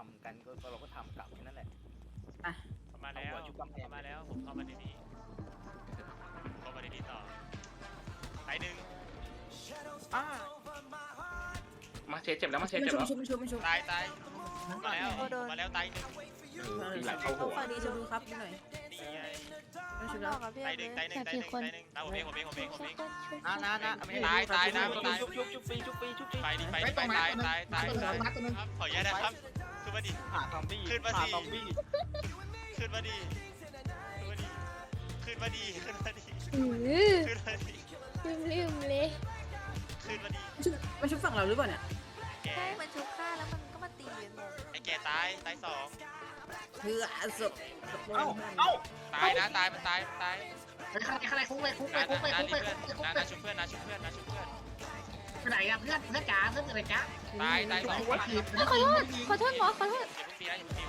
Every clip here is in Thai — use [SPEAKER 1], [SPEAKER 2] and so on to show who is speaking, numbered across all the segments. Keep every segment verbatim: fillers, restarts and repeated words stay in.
[SPEAKER 1] ำกันก็เราก็ทำกลับแค่นั้นแหละ
[SPEAKER 2] อ่ะ
[SPEAKER 3] เข้ามาแล้ว
[SPEAKER 1] เอาหัวชุบกำแพง
[SPEAKER 3] เข้ามาแล้วผมเข้ามาในนี้เข้ามาในนี้ต่อตายหนึ่ง
[SPEAKER 1] อ่า
[SPEAKER 4] มาเชเจ็บแล้วมาเช
[SPEAKER 2] ไม่
[SPEAKER 4] เจ็บ
[SPEAKER 2] ชุบ
[SPEAKER 4] แล้ว
[SPEAKER 2] ไม่ชุบไม่ชุบไม่ชุบ
[SPEAKER 3] ตายตายมาแล้วมาแล้วตายหนึ่ง
[SPEAKER 4] ตีหลังเข้าหัว
[SPEAKER 2] ฝั่งนี้ชุบดูครับนิดหน่อย
[SPEAKER 3] นี่ไง
[SPEAKER 2] ไม่ชุบ
[SPEAKER 5] น
[SPEAKER 2] แล้
[SPEAKER 5] อ
[SPEAKER 2] ว
[SPEAKER 5] กกับพี่
[SPEAKER 3] ตายหนึ่งตายหนึ่งตายหนึ่งตายหนึ่งตายผมเองผมเองผมเองผมเอง
[SPEAKER 1] นะนะนะ
[SPEAKER 3] ตายตายนะตาย
[SPEAKER 1] ชุบชุบชุบฟรีชุบฟรีชุบฟรี
[SPEAKER 3] ไปดิไปดิไปตายตายตายตายครับขออนุญาตนะครับขึ้นมาดิ
[SPEAKER 1] หาซอมบี้
[SPEAKER 3] ขึ้นมาสิ
[SPEAKER 1] หซอมบี้
[SPEAKER 3] ขึ้นมาดิขึ้นมาดิขึ้นมาดิ
[SPEAKER 6] อือ
[SPEAKER 3] ขึ้นมาดิ
[SPEAKER 6] ลืมลืมเลย
[SPEAKER 3] ขึ้นมาดิ
[SPEAKER 2] ชุบมาชุบฝั่งเราหรือเปล่าเนี่ย
[SPEAKER 3] แก
[SPEAKER 5] ใช่มันชุบฆ่าแล้วมันก็มาตีกันหมด
[SPEAKER 3] ไอ้แกตายตายสอง
[SPEAKER 2] เพื่อศพ
[SPEAKER 1] เอ้าเอ้า
[SPEAKER 3] ตายนะตายมันตายมันตาย
[SPEAKER 7] ไปข้างในข้างในคุกไปคุกไป
[SPEAKER 3] นา
[SPEAKER 7] คุกไป
[SPEAKER 3] นา
[SPEAKER 7] คุก
[SPEAKER 3] นี่
[SPEAKER 7] ไป
[SPEAKER 3] เพื่อน
[SPEAKER 7] คุก
[SPEAKER 3] นา
[SPEAKER 7] ไป
[SPEAKER 3] นาชุบเพื่อนนาชุบเพื่อนนาชุบเพื่อน
[SPEAKER 7] ไปไหนอะเพื่อนเพื่อนจ๋าเพื่อนอะไรจ๋า
[SPEAKER 3] ตายตายสอง
[SPEAKER 7] ว่าขีด
[SPEAKER 6] ขอโทษขอโทษหมอขอโทษ
[SPEAKER 3] อย่าเพิ่งตีนะอย่าเพิ่งตี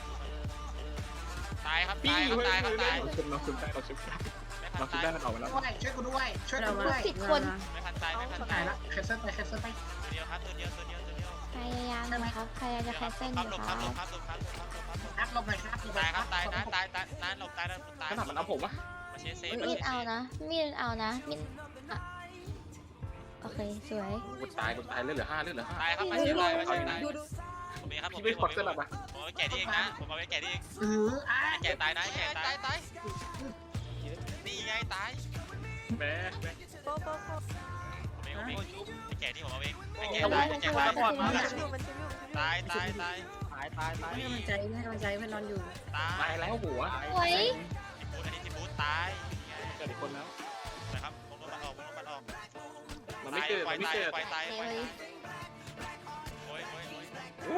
[SPEAKER 3] ตายครับตายครับตายครับตาย
[SPEAKER 4] เราชุบเราชุบได้เราชุบได้
[SPEAKER 3] ไม่
[SPEAKER 4] เรา
[SPEAKER 3] พัน
[SPEAKER 4] ชุบ
[SPEAKER 3] ตาย
[SPEAKER 4] ได้มันออกมาแล้ว
[SPEAKER 7] ด้วยช่วยกูด้วยช่วย
[SPEAKER 2] เรา
[SPEAKER 7] กู
[SPEAKER 2] มา
[SPEAKER 7] ด้วย
[SPEAKER 3] ไม่พันตายไม่พัน
[SPEAKER 7] ตา
[SPEAKER 3] ตาย ย
[SPEAKER 7] ละแคสเซิลไปแคสเซิลไป
[SPEAKER 3] ตัวเดียวครับตัวเดียวตัวเดียวตัวเดียว
[SPEAKER 6] พยายามนะครับพยายามจะแคสเซิลอ
[SPEAKER 3] ครับ
[SPEAKER 6] ยู่
[SPEAKER 3] ลง
[SPEAKER 6] ค
[SPEAKER 3] ครั
[SPEAKER 6] รั
[SPEAKER 3] บบ ลงครับลงครับลงครับลงครับลง
[SPEAKER 7] นัดลงหน่อยครับ
[SPEAKER 3] ตายครับตายนะตายตายนะหลบตายนะตาย
[SPEAKER 4] ขนาดมันเอาผมวะ
[SPEAKER 3] มาเชสเซ่มา
[SPEAKER 6] มี
[SPEAKER 3] เช
[SPEAKER 6] ด
[SPEAKER 3] ส
[SPEAKER 6] เอา
[SPEAKER 3] เซ่
[SPEAKER 6] นะมีดเอานะมีดอ่ะโอเคสวย
[SPEAKER 4] กูตายกูตายเลือดเหลือห้าเลือดเหลือห้า
[SPEAKER 3] ตายครับมาเชสตายมาเชสตาย
[SPEAKER 2] ดูดู
[SPEAKER 3] ผมเองครับผม
[SPEAKER 4] พี่ไม่ควักสลับอ่ะ
[SPEAKER 3] ผมเอาแก่ที่เองนะผมเอาไว้แก่ที่เอง
[SPEAKER 7] เอออ่ะ
[SPEAKER 3] แก่ตายนะแก่ตายตายนี่ไงตาย
[SPEAKER 4] แม่แม่
[SPEAKER 5] โป๊ะโป๊ะโป๊ะ
[SPEAKER 3] ผมเองผมเองไอ้แก่ที่ผมเอาเองไอ้แก่
[SPEAKER 6] ระ
[SPEAKER 3] ตา
[SPEAKER 6] วั
[SPEAKER 3] ย
[SPEAKER 6] ง
[SPEAKER 3] ไอ้แก่
[SPEAKER 6] ระวั
[SPEAKER 3] ตาง ย
[SPEAKER 5] มันชุบอยู่มันชุบอยู่มันชุบอยู่
[SPEAKER 3] ตายตายตาย
[SPEAKER 1] ตายตายตาย
[SPEAKER 2] ให้กำลังใจให้กำลังใจเพื่อนนอนอยู่
[SPEAKER 3] ตาย
[SPEAKER 4] ตายแล้วหัว
[SPEAKER 6] สวย
[SPEAKER 3] ทิปูดอันนี้ทิปูดตาย
[SPEAKER 4] เกิดอีกคนแล้ว
[SPEAKER 3] นะครับผมลงมันออกผมลงมันออก
[SPEAKER 4] มันไม่เกิด
[SPEAKER 3] ปล่
[SPEAKER 4] มั
[SPEAKER 3] อย
[SPEAKER 4] นไม่
[SPEAKER 3] ตาย
[SPEAKER 4] เกิด
[SPEAKER 3] ปล่อยตาย
[SPEAKER 6] เล
[SPEAKER 3] ปล่อย
[SPEAKER 6] ย
[SPEAKER 3] โอ้ยโอ้ยโอ้ย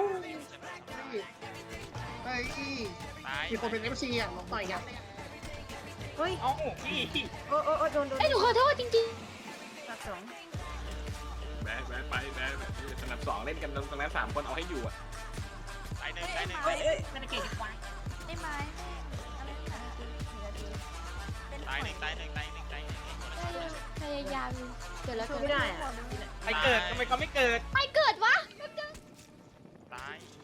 [SPEAKER 7] เฮ้ย
[SPEAKER 3] ตาย
[SPEAKER 7] มีคนเป็นเอฟซีอ่ะลองต่อยกัน
[SPEAKER 2] เฮ้ย
[SPEAKER 1] เอ้าพี่
[SPEAKER 2] โอ้โอ้โอ้โดนโดน
[SPEAKER 6] ไอ้ยหนูขอโทษจริง
[SPEAKER 2] ตัดสอง
[SPEAKER 4] แม่แม่ไปแม่แบบสนับสองเล่นกันตรงนั้นสามคนเอาให้อยู่อ่ะ
[SPEAKER 3] ตายหนึ่งตายหนึ่ง
[SPEAKER 2] เฮ้ยเฮ้ย
[SPEAKER 7] ไม่ได้เก่งควาย
[SPEAKER 5] ไอ้ไม้อะไรหนาทีหนึ่งนาทีเป็น
[SPEAKER 3] ตายหนึ่งตายหนึ่งตายหนึ่งตายหนึ่ง
[SPEAKER 6] ๆพยายามเกิดแล้ว
[SPEAKER 2] ช่
[SPEAKER 6] เกิ
[SPEAKER 2] วย
[SPEAKER 6] ด
[SPEAKER 2] ไม่ได้อะ
[SPEAKER 1] ใครเกิดทำไมเขาไม่เกิด
[SPEAKER 6] ไม่เกิดวะ
[SPEAKER 3] ตาย